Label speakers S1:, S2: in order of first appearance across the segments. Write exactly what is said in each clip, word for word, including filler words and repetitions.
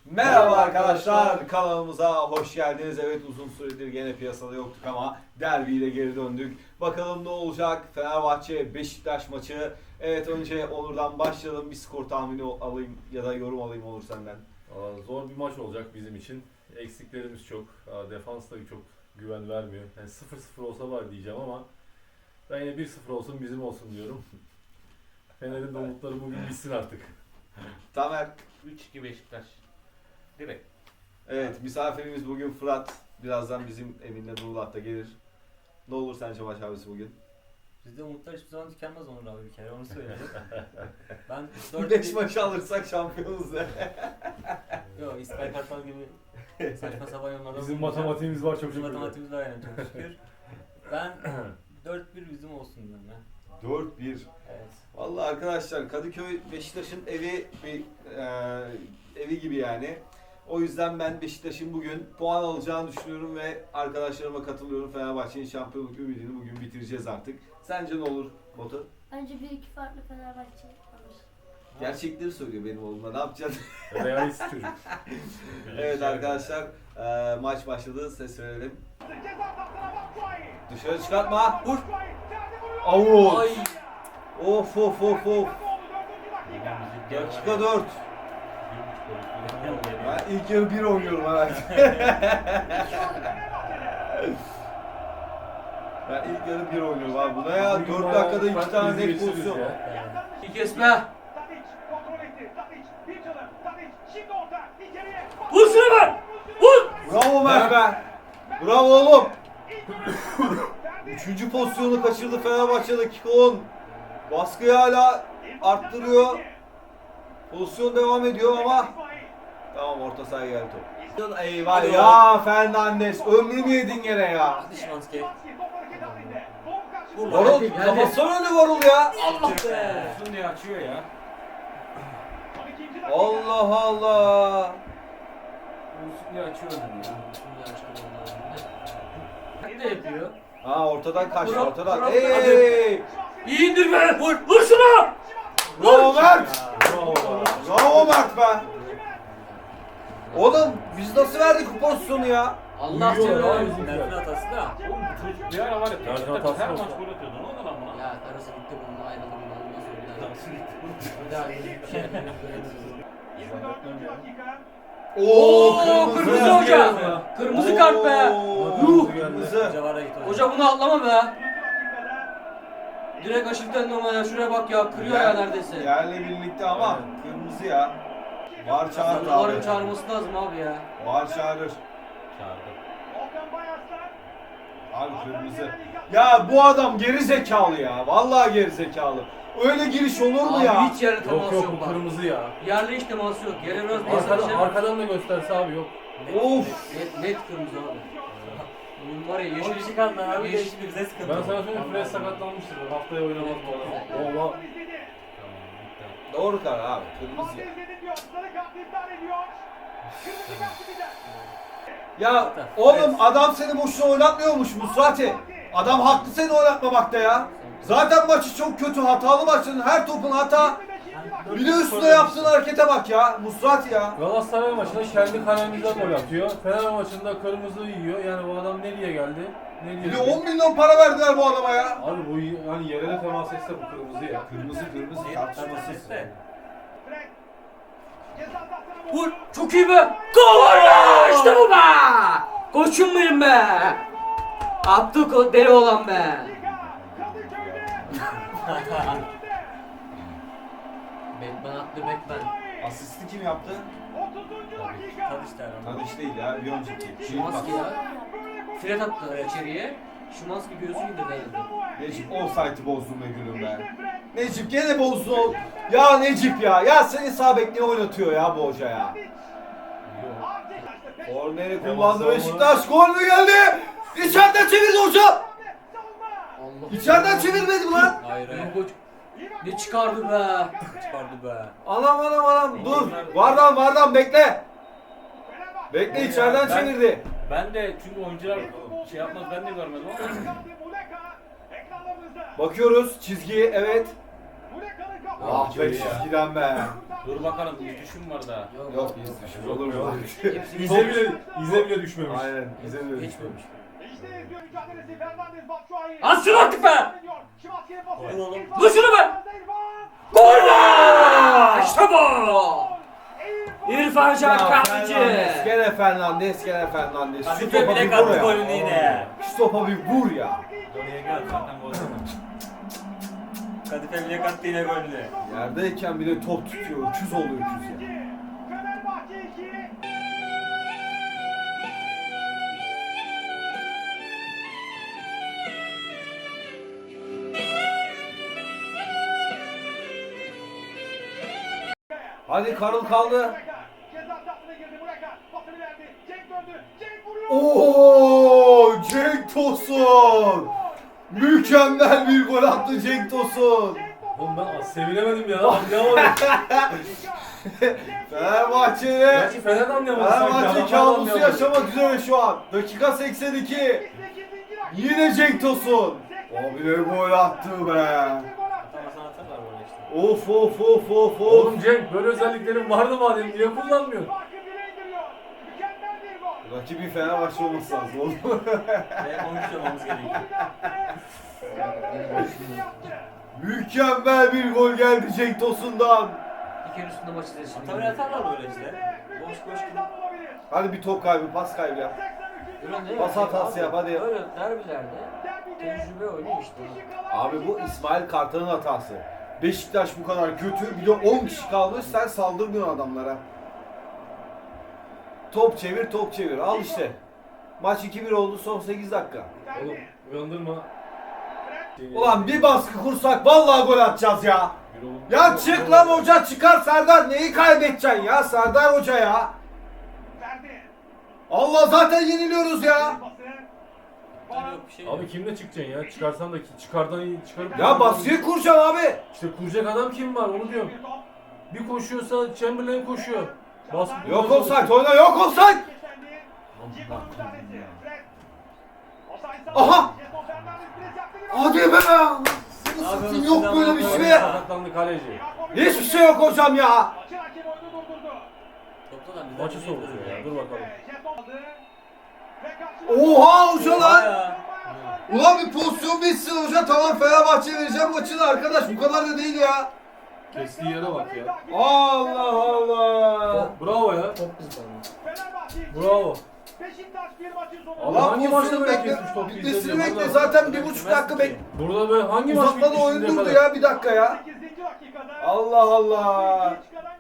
S1: Merhaba arkadaşlar, kanalımıza hoş geldiniz. Evet, uzun süredir gene piyasada yoktuk ama derbiyle geri döndük. Bakalım ne olacak? Fenerbahçe Beşiktaş maçı. Evet, önce Onur'dan başlayalım. Bir skor tahmini alayım ya da yorum alayım Onur senden.
S2: Aa, zor bir maç olacak bizim için. Eksiklerimiz çok. Aa, defans da çok güven vermiyor. Yani sıfır sıfır olsa var diyeceğim ama ben yine bir sıfır olsun bizim olsun diyorum. Fener'in de umutları bugün bitsin artık.
S1: Tamer.
S3: üç iki Beşiktaş. Direkt.
S1: Evet, misafirimiz bugün Fırat. Birazdan bizim evinde Nurullah da gelir. Ne olur sence maç abisi bugün?
S4: Bizde umutlar hiçbir zaman tükenmez Onur abi bir kere onu söyleyeyim. Ben dört
S1: beş maçı alırsak şampiyonuz de.
S4: Yok İsmail Kartal gibi saçma sapan yorumlarda
S2: Bizim
S4: bulunacağım.
S2: matematiğimiz var çok
S4: Bizim
S2: şükür.
S4: matematiğimiz var yani çok şükür. Ben dört bir bizim olsun diyorum ya.
S1: dört bir.
S4: Evet.
S1: Vallahi arkadaşlar, Kadıköy Beşiktaş'ın evi bir e, evi gibi yani. O yüzden ben Beşiktaş'ın bugün puan alacağını düşünüyorum ve arkadaşlarıma katılıyorum. Fenerbahçe'nin şampiyonluk ümidini bugün bitireceğiz artık. Sence ne olur Batu?
S5: Bence bir iki farklı Fenerbahçe alır.
S1: Gerçekleri söylüyor benim oğluma. Ne yapacaksın?
S2: Realist çocuk.
S1: Evet arkadaşlar, e, maç başladı. Ses verelim. Dışarı çıkartma. Vur. Avut.
S4: Ay.
S1: Of of of of. Dakika dört. Ben ilk yarı bir oynuyorum herhalde. Ben ilk yarı bir oynuyorum abi. Buna ya
S2: Bugün
S1: dört
S2: bayağı
S1: dakikada iki
S2: farklı
S1: tane
S2: bizi
S1: net
S2: geçiririz
S1: pozisyon.
S2: ya.
S4: İki kesme. Vur şunu be. Vur.
S1: Bravo Mert be. Bravo oğlum. Üçüncü pozisyonu kaçırdı Fenerbahçe, dakika on. Baskıyı hala arttırıyor. Pozisyon devam ediyor ama tamam, orta sahaya geldi top. Eyvah
S4: Hadi
S1: ya Fernandes, ömrümü yedin gene ya.
S4: Hadi Şimanski.
S1: Varol, kafasına önü Varol ya.
S4: Allah be.
S3: Olsun diye açıyor ya.
S1: Allah Allah.
S3: Olsun diye açıyor onu ya.
S4: Ne yapıyor?
S1: Ha, ortadan kaçtı,
S4: Bravo,
S1: ortadan.
S4: bravo.
S1: Hey!
S4: İyi indir be. Vur. Vur şunu.
S1: Bravo Mert.
S2: Bravo.
S1: Bravo Mert be. Oğlum biz nasıl verdik bu pozisyonu ya?
S4: Allah
S2: Uyuyor
S4: canına.
S2: ya bizimkiler.
S4: Mert'in hatası da.
S3: Oğlum çocuk bir ara var ya.
S2: Tercih
S3: Beşiktaş
S2: hatası
S3: her
S2: olsa.
S3: maç gol atıyordu. Ne oldu lan buna?
S4: Ya karısı gitti bununla ayrıldı bundan ondan sonra bir daha.
S3: Nasıl gitti?
S4: Bir daha bir şey yapmayacağız.
S1: Oo,
S4: kırmızı hoca. Kırmızı kart be.
S1: Yuh,
S2: Kırmızı
S1: kırmızı.
S4: Hoca var ya git hoca.
S6: Hoca bunu atlama be. Direkt aşırıdan normal ya. Şuraya bak ya. Kırıyor ya neredeyse.
S1: Yerle birlikte ama kırmızı ya. Var çağırır
S6: Sarıların
S1: abi.
S6: çağırması lazım abi ya.
S1: Var çağırır.
S3: Çağırdı.
S1: Abi kırmızı. Ya bu adam geri zekalı ya. Vallahi geri zekalı. Öyle giriş olur mu
S6: Abi
S1: ya?
S6: hiç yerle teması
S2: Yok
S6: yok,
S2: yok bu
S6: bak.
S2: kırmızı ya.
S6: Yerle hiç teması yok. Yere biraz
S2: Arkadan,
S6: mesaj.
S2: arkadan da gösterse abi yok.
S1: Of.
S6: Net, net kırmızı abi. Bunun var ya
S4: O
S6: yeşil.
S4: bir şey kaldı abi de
S6: yeşil-
S4: şimdi bize sıkıntı.
S2: Ben sana söyleyeyim Fred sakatlanmıştır. Haftaya oynamaz bu adam. Oha.
S1: Doğru karar abi. Kırmızı ya. Ya oğlum, adam seni boşuna oynatmıyormuş Musrati. Adam haklı seni oynatmamakta ya. Zaten maçı çok kötü, hatalı maçın, her topun hata. Bir de üstüne yaptığın harekete bak ya Musrati ya.
S2: Galatasaray maçında kendi kalemizden gol atıyor. Fener maçında kırmızı yiyor. Yani bu adam nereye geldi? Nereye
S1: Bir de
S2: geldi?
S1: on milyon para verdiler bu adama ya.
S2: Abi bu y- hani yere de temas etse bu kırmızı ya.
S1: Kırmızı kırmızı tartışmasız.
S6: Vur. Çok iyi be. Gol be. İşte bu be. Koçum benim be. Attı ko- deli olan be.
S4: Batman attı Batman.
S1: Asisti kim yaptı?
S4: Tadiç der ama.
S1: Tadiç değil ya, bir önceki.
S6: Şimanski ya. Fred attı içeriye. Şimanski göğsünü indirdi herhalde.
S1: Necip offside'ı bozdun be gülüm be. Necip gene bozdun o. Ya Necip ya. Ya seni sağ bek ne oynatıyor ya bu hoca ya. Korneri kullandı Beşiktaş. Gol mü geldi? İçeriden çevirdi hoca.
S6: Allah.
S1: İçeriden çevirmedi mi lan?
S4: Hayır hayır.
S6: Benim koç. Ne çıkardı be.
S4: Çıkardı be.
S1: Anam anam anam dur. Vardan vardan bekle. Bekle, içeriden
S3: Ben-
S1: çevirdi.
S3: Ben de çünkü oyuncular şey yapmaz, ben de görmedim ama.
S1: Bakıyoruz çizgiyi, evet. Ah be çizgiden be.
S3: Dur bakalım bir düşün var daha.
S1: Yok biz düşmüş olur mu?
S2: İze bile, ize bile düşmemiş.
S1: Aynen bize de düşmüş.
S4: Geçmemiş.
S6: Az şunu artık be!
S4: Vur oğlum.
S6: Vur şunu be! Gol be! İşte bu! İrfan Can Kahveci.
S1: Fernandes, gene Fernandes, gene Fernandes. Şu
S4: Kadife
S1: topa bir
S4: bile
S1: vur
S4: kattı
S1: ya.
S4: golünü yine.
S1: Şu topa bir vur ya.
S3: Oraya gel zaten gol zaman.
S4: Kadife bile kattı yine golünü.
S1: Yerdeyken bile top tutuyor. Öküz oluyor öküz ya. Hadi Karıl kaldı. Oo, Cenk Tosun. Mükemmel bir gol attı Cenk Tosun.
S2: Oğlum ben sevinemedim ya. Anlayamadım.
S1: Fenerbahçe'de
S2: Gerçi Fener de anlayamadı sanki.
S1: Fenerbahçe
S2: Adamlar da
S1: kabusu
S2: anlayamadı.
S1: yaşamak üzere şu an. Dakika seksen iki. Yine Cenk Tosun. Abi ne gol attı be.
S4: Atamasını atarlar böyle işte.
S1: Of of of of of.
S2: Oğlum Cenk böyle özelliklerin vardı madem niye kullanmıyorsun?
S1: Rakibi Fenerbahçe olması lazım oğlum.
S4: Ve on üç olmamız gerekiyor.
S1: Mükemmel bir gol geldi Cenk Tosun'dan.
S6: Bir kere üstünde maç izlesin.
S4: Tabii atarlar böyle işte. Boş boş gidip.
S1: Hadi bir top kaybı, pas kaybı yap. Pas hatası yap, hadi yap.
S6: Böyle derbilerde tecrübe oynuyor işte.
S1: Abi bu İsmail Kartal'ın hatası. Beşiktaş bu kadar kötü, bir de on kişi kalmış, sen saldırmıyorsun adamlara. Top çevir, top çevir. Al işte. Maç iki bir oldu, son sekiz dakika.
S2: Oğlum uyandırma.
S1: Ulan bir baskı kursak vallahi gol atacağız ya.
S2: Bir oğlum-
S1: Ya çık lan hoca, çıkar Serdar. Neyi kaybedeceksin ya Serdar Hoca ya? Allah, zaten yeniliyoruz ya.
S4: Yok bir şey yok.
S2: Abi kimle çıkacaksın ya? Çıkarsan da ki çıkardan iyi çıkarıp...
S1: Ya baskıyı kuracaksın abi.
S2: İşte kuracak adam kim var onu diyorum. Bir koşuyorsa Chamberlain koşuyor. Baskı
S1: Yok offside, oyna yok offside. Aha! Hadi be! Satayım, yok böyle bir şey.
S2: Sakatlandı kaleci.
S1: Hiçbir şey yok hocam ya.
S4: Topla da bize
S2: Maçı
S4: bir
S2: soğutuyor ya. Dur bakalım.
S1: Oha hoca lan!
S4: Ya.
S1: Ulan bir pozisyon bitsin hoca, tamam Fenerbahçe vereceğim maçını arkadaş, bu kadar da değil ya.
S2: Kestiği yere bak ya.
S1: Allah Allah.
S2: Bravo ya.
S6: Çok kızgınım.
S2: Bravo.
S1: Allah
S2: Abi hangi maçta
S1: pozisyonu
S2: böyle
S1: bekle,
S2: kesmiş top
S1: bitmesini
S2: izleyeceğim?
S1: bekle,
S2: Vallahi.
S1: zaten bir buçuk dakika bek.
S2: Burada böyle hangi maç
S1: Uzatmada
S2: bitti
S1: oyun
S2: şimdiye
S1: durdu
S2: kadar?
S1: ya, bir dakika ya. Allah Allah.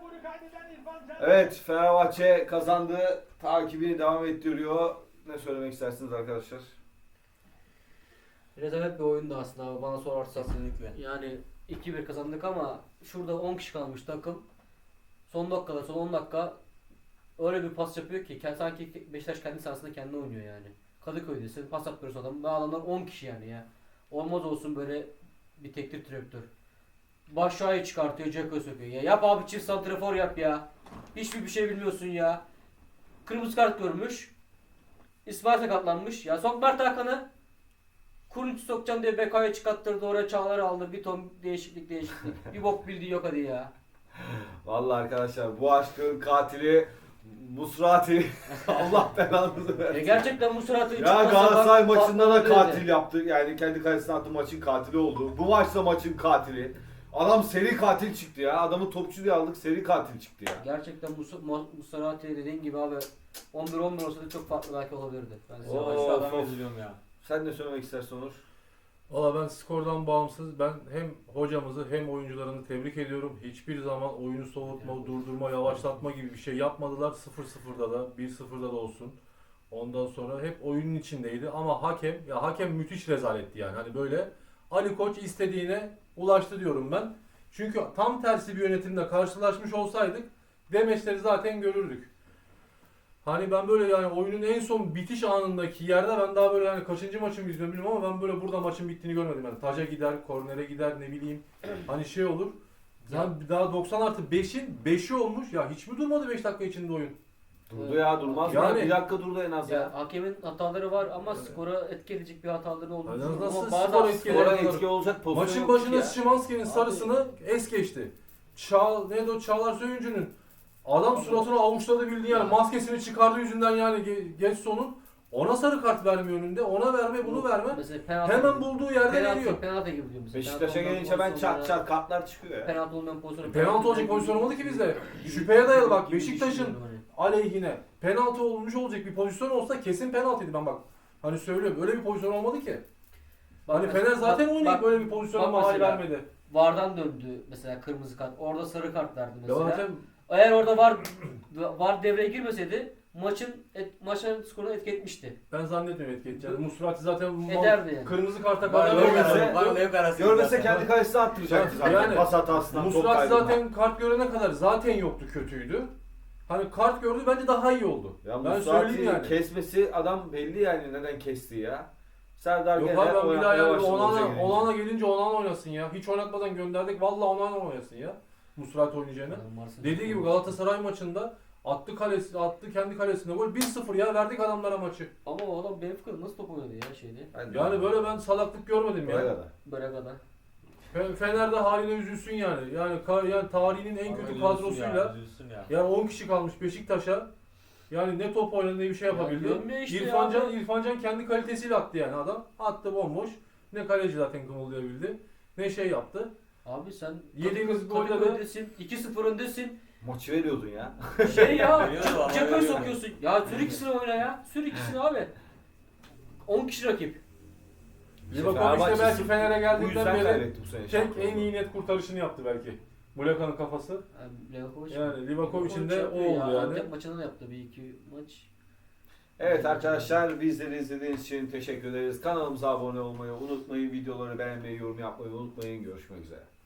S1: Evet, Fenerbahçe kazandı. Takibini devam ettiriyor. Ne söylemek istersiniz arkadaşlar?
S6: Rezalet bir oyundu aslında abi bana sorarsan.
S4: Kesinlikle.
S6: Yani iki bir kazandık ama şurada on kişi kalmış takım. Son dakikada, son on dakika öyle bir pas yapıyor ki kend- sanki Beşiktaş kendi sahasında kendi oynuyor yani. Kadıköy'desin, pas atıyorsun adam. Bu adamlar on kişi yani ya. Olmaz olsun böyle bir teknik direktör. Başşuayı çıkartıyor, Ceko söküyor. Ya yap abi, çift santrafor yap ya. Hiçbir bir şey bilmiyorsun ya. Kırmızı kart görmüş. İsmail sakatlanmış. Ya sok Mert Hakan'ı. Kurunç'u sokacağım diye Beka'yı çıkarttırdı, oraya Çağlar'ı aldı. Bir ton değişiklik değişiklik. Bir bok bildiği yok hadi ya.
S1: Vallahi arkadaşlar, bu aşkın katili Musrati. Allah belanızı
S6: E
S1: versin.
S6: gerçekten bu suratı
S1: Ya Galatasaray maçında da katil yaptı. Yani kendi kalesine attığı maçın katili oldu. Bu maçta maçın katili. Adam seri katil çıktı ya. Adamı topçu diye aldık, seri katil çıktı ya.
S6: Gerçekten bu Musarati dediğin gibi abi on bir on bir olsa da çok farklı belki olabilirdi. Ben size
S1: Oo.
S4: Şu
S1: Of,
S4: adamı
S1: of.
S4: üzülüyorum ya.
S1: Sen ne söylemek istersin Onur?
S2: Valla ben skordan bağımsız ben hem hocamızı hem oyuncularını tebrik ediyorum. Hiçbir zaman oyunu soğutma, durdurma, yavaşlatma gibi bir şey yapmadılar. sıfır sıfırda da bir sıfırda da olsun. Ondan sonra hep oyunun içindeydi ama hakem ya hakem müthiş rezaletti yani. Hani böyle Ali Koç istediğine ulaştı diyorum ben. Çünkü tam tersi bir yönetimle karşılaşmış olsaydık demeçleri zaten görürdük. Hani ben böyle yani oyunun en son bitiş anındaki yerde ben daha böyle hani kaçıncı maçımı izliyorum bilmiyorum ama ben böyle burada maçın bittiğini görmedim. Yani taca gider, kornere gider ne bileyim hani şey olur. Yani daha doksan artı beşin beşi olmuş ya hiç mi durmadı beş dakika içinde oyun?
S1: Durdu ya durmaz mı?
S2: Yani-
S1: Bir dakika durdu en az
S6: Ya
S1: ya.
S6: hakemin hataları var ama skora etki edecek bir hataları olduğunu
S2: Yani
S6: düşünüyorum.
S2: nasıl
S6: Ama
S2: skora
S6: bazen
S2: etki
S1: Skora
S2: ediyor?
S1: etki olacak pozisyon
S2: Maçın
S1: yok
S2: başında
S1: ya.
S2: Szymanski'nin sarısını es geçti. Çağ, neydi o Çağlar Söyüncü'nün adam suratını avuçladı bildiğin yani maskesini çıkardığı yüzünden yani Ge- Getson'un ona sarı kart vermiyor önünde. Ona verme bunu verme.
S6: Mesela penaltı,
S2: Hemen bulduğu yerde
S6: penaltı,
S2: veriyor.
S6: penaltı gibi diyor mesela.
S1: Beşiktaş'a
S6: Penaltı olmayan
S1: gelince ben
S6: pozisyonlara-
S1: çat çat kartlar çıkıyor ya.
S6: Penaltı olmayan pozisyonu.
S2: Penaltı olacak pozisyon olmadı ki bizde. Şüpheye dayalı bak
S6: gibi
S2: Beşiktaş'ın
S6: düşünüyorum hani.
S2: aleyhine penaltı olmuş olacak bir pozisyon olsa kesin penaltıydı ben bak. Hani söylüyorum öyle bir pozisyon olmadı ki.
S6: Bak
S2: Hani
S6: mesela-
S2: Fener zaten
S6: bak-
S2: oynayıp
S6: bak-
S2: böyle bir pozisyona
S6: bak
S2: mahal
S6: mesela.
S2: vermedi.
S6: VAR'dan döndü mesela kırmızı kart. Orada sarı kart verdi
S2: Ya
S6: mesela.
S2: zaten
S6: Eğer orada VAR VAR devreye girmeseydi maçın et, maçın skorunu etki etmişti.
S2: ben zannetmiyorum etki edeceğini. Musrati zaten mal-
S6: Ederdi yani.
S2: kırmızı karta
S3: Var
S2: kadar
S1: Görmese-
S3: Leo Var Leo Karası.
S1: Görmese kendi kalesine attıracaktı zaten.
S2: Yani
S1: Pas hatasından top
S2: Musrati
S1: kaybından.
S2: zaten kart görene kadar zaten yoktu, kötüydü. Hani kart gördü bence daha iyi oldu.
S1: Ya
S2: ben
S1: Musrati
S2: söyleyeyim yani.
S1: kesmesi adam belli yani neden kestiği ya. Serdar
S2: Yok
S1: gene
S2: abi ben bir daha
S1: oynatmaya
S2: yani
S1: başladı hoca
S2: Onana,
S1: gelince.
S2: Onana gelince Onana oynasın ya. Hiç oynatmadan gönderdik. Vallahi Onana oynasın ya. Musrati oynayacağına. Dediği gibi Galatasaray maçında attı kalesi, attı kendi kalesine gol. bir sıfır ya verdik adamlara maçı.
S6: Ama o adam Benfica'da nasıl top oynadı ya şeyde.
S1: Ben-
S2: Yani böyle ben salaklık görmedim
S1: Böyle
S2: ya.
S1: kadar.
S6: Böyle kadar.
S2: Fe- Fener de haline üzülsün yani. Yani ka- yani tarihinin en kötü kadrosuyla
S3: Üzülsün ya.
S2: yani on kişi kalmış Beşiktaş'a. Yani ne top oynadı ne bir şey yapabildi.
S6: Ya görmüyor işte
S2: İrfancan
S6: ya.
S2: İrfancan kendi kalitesiyle attı yani adam. Attı bomboş. Ne kaleci zaten kımıldayabildi. Ne şey yaptı.
S6: Abi sen
S2: Yediğiniz
S6: Kadıköy-
S2: golde de-
S6: öndesin, iki sıfır öndesin.
S1: Maçı veriyordun ya.
S6: Şey ya,
S3: Veriyor vallahi
S6: cephe
S3: veriyor.
S6: sokuyorsun. Ya sür ikisini oyna ya. Sür ikisini abi. on kişi rakip.
S2: Livakovic de
S1: Fenerbahçe
S2: belki
S1: sırf
S2: Fener'e
S1: Bu
S2: geldiğinden
S1: yüzden
S2: beri
S1: kaybetti bu sene.
S2: tek
S1: şampiyonluğu.
S2: en iyi net kurtarışını yaptı belki. Muleka'nın kafası.
S6: Yani Levakovic.
S2: Yani Livakovic'in de
S6: yapıyor
S2: o oldu
S6: ya.
S2: yani.
S6: Antep maçında da yaptı bir iki maç.
S1: Evet arkadaşlar bizleri izlediğiniz için teşekkür ederiz. Kanalımıza abone olmayı unutmayın. Videoları beğenmeyi, yorum yapmayı unutmayın. Görüşmek üzere.